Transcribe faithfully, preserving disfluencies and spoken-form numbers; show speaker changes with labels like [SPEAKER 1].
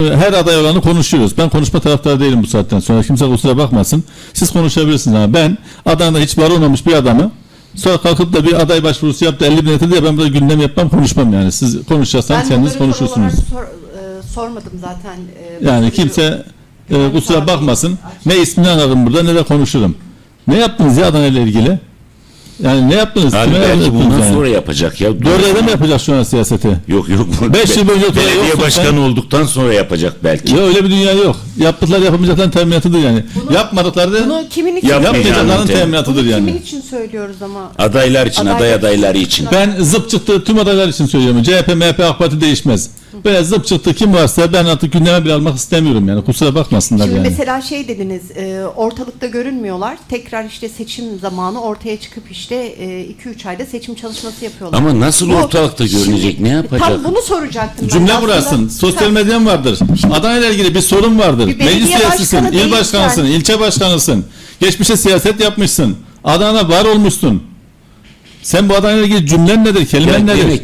[SPEAKER 1] her aday olanı konuşuyoruz. Ben konuşma taraftarı değilim bu saatten sonra. Kimse kusura bakmasın. Siz konuşabilirsiniz ama ben Adana'da hiç var olmamış bir adamı sonra kalkıp da bir aday başvurusu yaptı elli bin etti diye ben burada gündem yapmam, konuşmam yani. Siz konuşacaksanız kendiniz konuşursunuz.
[SPEAKER 2] Sor, e, sormadım zaten. E,
[SPEAKER 1] Yani kimse e, kusura bakmasın. Ne ismini anladım burada ne de konuşurum. Ne yaptınız ya Adana ile ilgili? Yani ne yaptınız?
[SPEAKER 3] Abi
[SPEAKER 1] Kime
[SPEAKER 3] belki
[SPEAKER 1] yaptınız
[SPEAKER 3] bundan
[SPEAKER 1] yani?
[SPEAKER 3] sonra yapacak ya.
[SPEAKER 1] Dört ayda mı yapacak şu an siyaseti?
[SPEAKER 3] Yok yok.
[SPEAKER 1] Beş yıl boyunca oturuyor,
[SPEAKER 3] belediye
[SPEAKER 1] yoksun
[SPEAKER 3] başkanı
[SPEAKER 1] sen.
[SPEAKER 3] olduktan sonra yapacak belki.
[SPEAKER 1] Ya öyle bir dünya yok. Yaptıkları yapamayacakların teminatıdır yani.
[SPEAKER 2] Bunu-
[SPEAKER 1] Yapmadıkları da
[SPEAKER 2] Bunu kimin için,
[SPEAKER 3] Yap-
[SPEAKER 1] yapmayacakların
[SPEAKER 3] Yapmayacağının
[SPEAKER 1] teminatıdır
[SPEAKER 2] bunu
[SPEAKER 1] yani.
[SPEAKER 2] kimin için söylüyoruz ama?
[SPEAKER 3] Adaylar için,
[SPEAKER 2] Adaylar
[SPEAKER 3] aday
[SPEAKER 2] için.
[SPEAKER 3] adayları için.
[SPEAKER 1] Ben zıp çıktı tüm adaylar için söylüyorum. C H P, M H P, AK Parti değişmez. Böyle zıp çıktı kim varsa ben artık gündeme bile almak istemiyorum yani. Kusura bakmasınlar
[SPEAKER 2] Şimdi
[SPEAKER 1] yani.
[SPEAKER 2] mesela şey dediniz, e, ortalıkta görünmüyorlar. Tekrar işte seçim zamanı ortaya çıkıp işte iki üç ayda seçim çalışması yapıyorlar.
[SPEAKER 3] Ama nasıl
[SPEAKER 2] Bu-
[SPEAKER 3] ortalıkta görünecek?
[SPEAKER 2] Şimdi-
[SPEAKER 3] Ne yapacak?
[SPEAKER 2] Tam bunu soracaktım. ben
[SPEAKER 1] Cümle
[SPEAKER 2] aslında.
[SPEAKER 1] burasın. Sosyal
[SPEAKER 2] Ha,
[SPEAKER 1] medyan vardır. Adana ile ilgili bir sorun vardır.
[SPEAKER 2] Bir belediye
[SPEAKER 1] Meclis üyesisin,
[SPEAKER 2] başkanı
[SPEAKER 1] il
[SPEAKER 2] değilsen-
[SPEAKER 1] başkanısın, ilçe başkanısın. Geçmişe siyaset yapmışsın. Adana var olmuşsun. Sen bu Adana ile ilgili cümlen nedir, kelimen
[SPEAKER 3] Ya
[SPEAKER 1] nedir?
[SPEAKER 3] demek